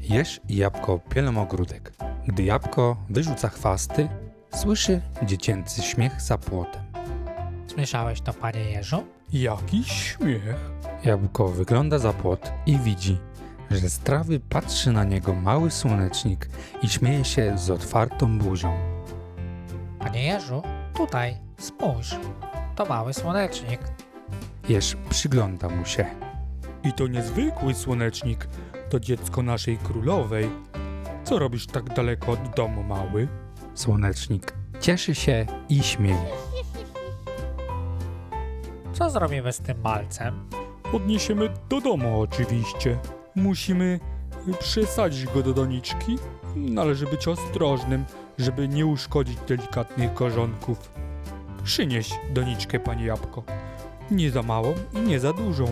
Jesz jabłko pielą ogródek. Gdy jabłko wyrzuca chwasty, słyszy dziecięcy śmiech za płotem. Słyszałeś to, panie Jeżu? Jakiś śmiech. Jabłko wygląda za płot i widzi, że z trawy patrzy na niego mały słonecznik i śmieje się z otwartą buzią. Panie Jeżu, tutaj, spójrz. To mały słonecznik. Jesz przygląda mu się. I to niezwykły słonecznik. To dziecko naszej królowej. Co robisz tak daleko od domu, mały? Słonecznik cieszy się i śmieje. Co zrobimy z tym malcem? Odniesiemy do domu oczywiście. Musimy przesadzić go do doniczki. Należy być ostrożnym, żeby nie uszkodzić delikatnych korzonków. Przynieś doniczkę, panie jabłko. Nie za małą i nie za dużą.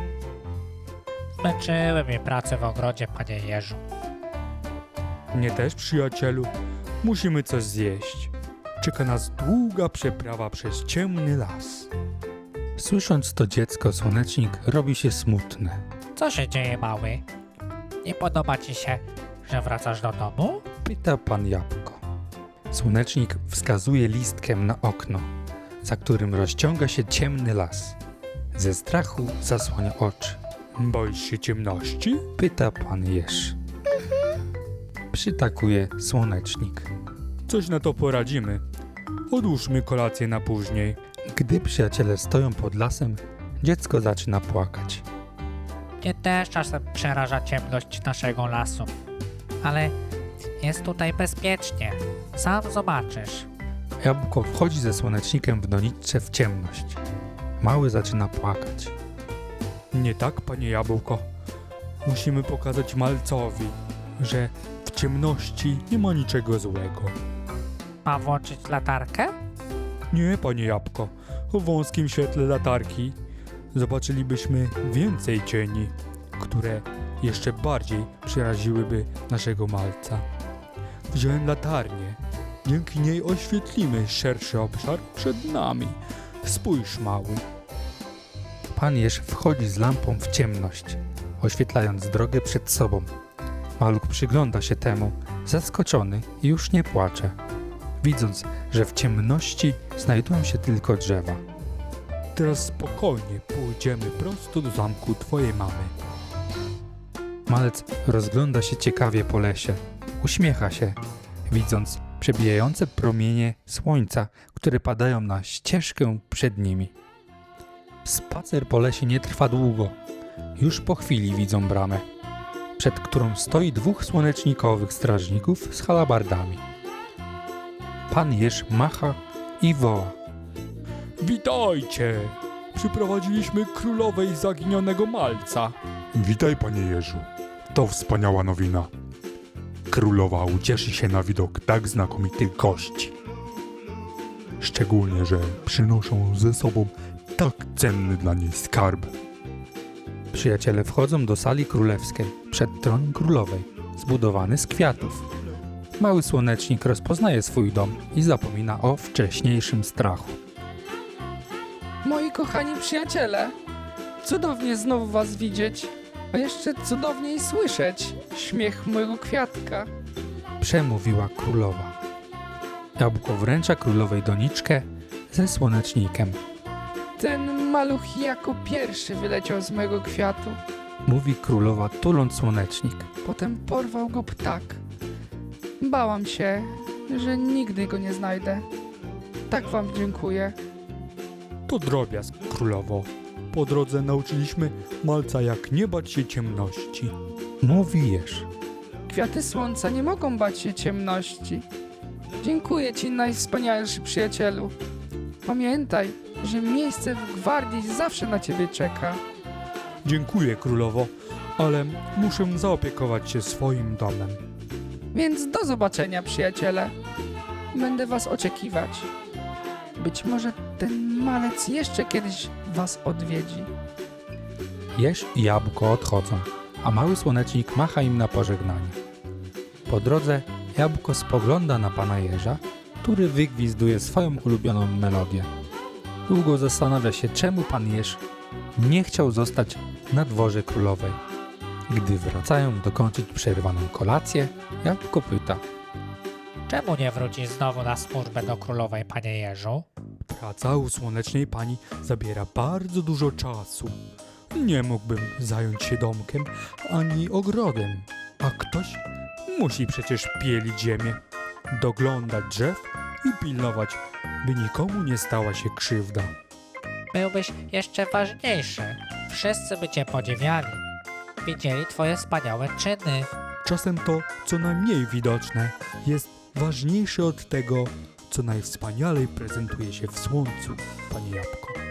Zmęczyły mnie prace w ogrodzie, panie Jeżu. Mnie też, przyjacielu. Musimy coś zjeść. Czeka nas długa przeprawa przez ciemny las. Słysząc to dziecko, słonecznik robi się smutny. Co się dzieje, mały? Nie podoba ci się, że wracasz do domu? Pyta pan jabłko. Słonecznik wskazuje listkiem na okno, za którym rozciąga się ciemny las. Ze strachu zasłania oczy. Boisz się ciemności? Pyta pan jeż. Przytakuje słonecznik. Coś na to poradzimy. Odłóżmy kolację na później. Gdy przyjaciele stoją pod lasem, dziecko zaczyna płakać. Mnie też czasem przeraża ciemność naszego lasu. Ale jest tutaj bezpiecznie. Sam zobaczysz. Jabłko wchodzi ze słonecznikiem w doniczce w ciemność. Mały zaczyna płakać. Nie tak, panie jabłko. Musimy pokazać malcowi, że w ciemności nie ma niczego złego. Mam włączyć latarkę? Nie, panie jabłko. W wąskim świetle latarki zobaczylibyśmy więcej cieni, które jeszcze bardziej przeraziłyby naszego malca. Wziąłem latarnię. Dzięki niej oświetlimy szerszy obszar przed nami. Spójrz, mały. Pan jeż wchodzi z lampą w ciemność, oświetlając drogę przed sobą. Maluch przygląda się temu, zaskoczony i już nie płacze, widząc, że w ciemności znajdują się tylko drzewa. Teraz spokojnie pójdziemy prosto do zamku twojej mamy. Malec rozgląda się ciekawie po lesie, uśmiecha się, widząc przebijające promienie słońca, które padają na ścieżkę przed nimi. Spacer po lesie nie trwa długo. Już po chwili widzą bramę, przed którą stoi dwóch słonecznikowych strażników z halabardami. Pan jeż macha i woła. Witajcie! Przyprowadziliśmy królowej zaginionego malca. Witaj, panie Jeżu. To wspaniała nowina. Królowa ucieszy się na widok tak znakomitych gości. Szczególnie, że przynoszą ze sobą tak cenny dla niej skarb. Przyjaciele wchodzą do sali królewskiej, przed tron królowej, zbudowany z kwiatów. Mały słonecznik rozpoznaje swój dom i zapomina o wcześniejszym strachu. Moi kochani przyjaciele, cudownie znowu was widzieć, a jeszcze cudowniej słyszeć śmiech mojego kwiatka. Przemówiła królowa. Jabłko wręcza królowej doniczkę ze słonecznikiem. Ten maluch jako pierwszy wyleciał z mojego kwiatu. Mówi królowa, tuląc słonecznik. Potem porwał go ptak. Bałam się, że nigdy go nie znajdę. Tak wam dziękuję. To drobiazg, królowo. Po drodze nauczyliśmy malca, jak nie bać się ciemności. Mówi jeż. Kwiaty słońca nie mogą bać się ciemności. Dziękuję ci, najwspanialszy przyjacielu. Pamiętaj, że miejsce w gwardii zawsze na ciebie czeka. Dziękuję, królowo, ale muszę zaopiekować się swoim domem. Więc do zobaczenia, przyjaciele. Będę was oczekiwać. Być może ten malec jeszcze kiedyś was odwiedzi. Jeż i jabłko odchodzą, a mały słonecznik macha im na pożegnanie. Po drodze jabłko spogląda na pana jeża, który wygwizduje swoją ulubioną melodię. Długo zastanawia się, czemu pan jeż nie chciał zostać na dworze królowej. Gdy wracają dokończyć przerwaną kolację, Jabłko pyta. Czemu nie wrócisz znowu na służbę do królowej, panie Jeżu? Praca u słonecznej pani zabiera bardzo dużo czasu. Nie mógłbym zająć się domkiem ani ogrodem, a ktoś musi przecież pielić ziemię, doglądać drzew i pilnować, by nikomu nie stała się krzywda. Byłbyś jeszcze ważniejszy. Wszyscy by cię podziwiali. Widzieli twoje wspaniałe czyny. Czasem to, co najmniej widoczne, jest ważniejsze od tego, co najwspanialej prezentuje się w słońcu, panie Jabłko.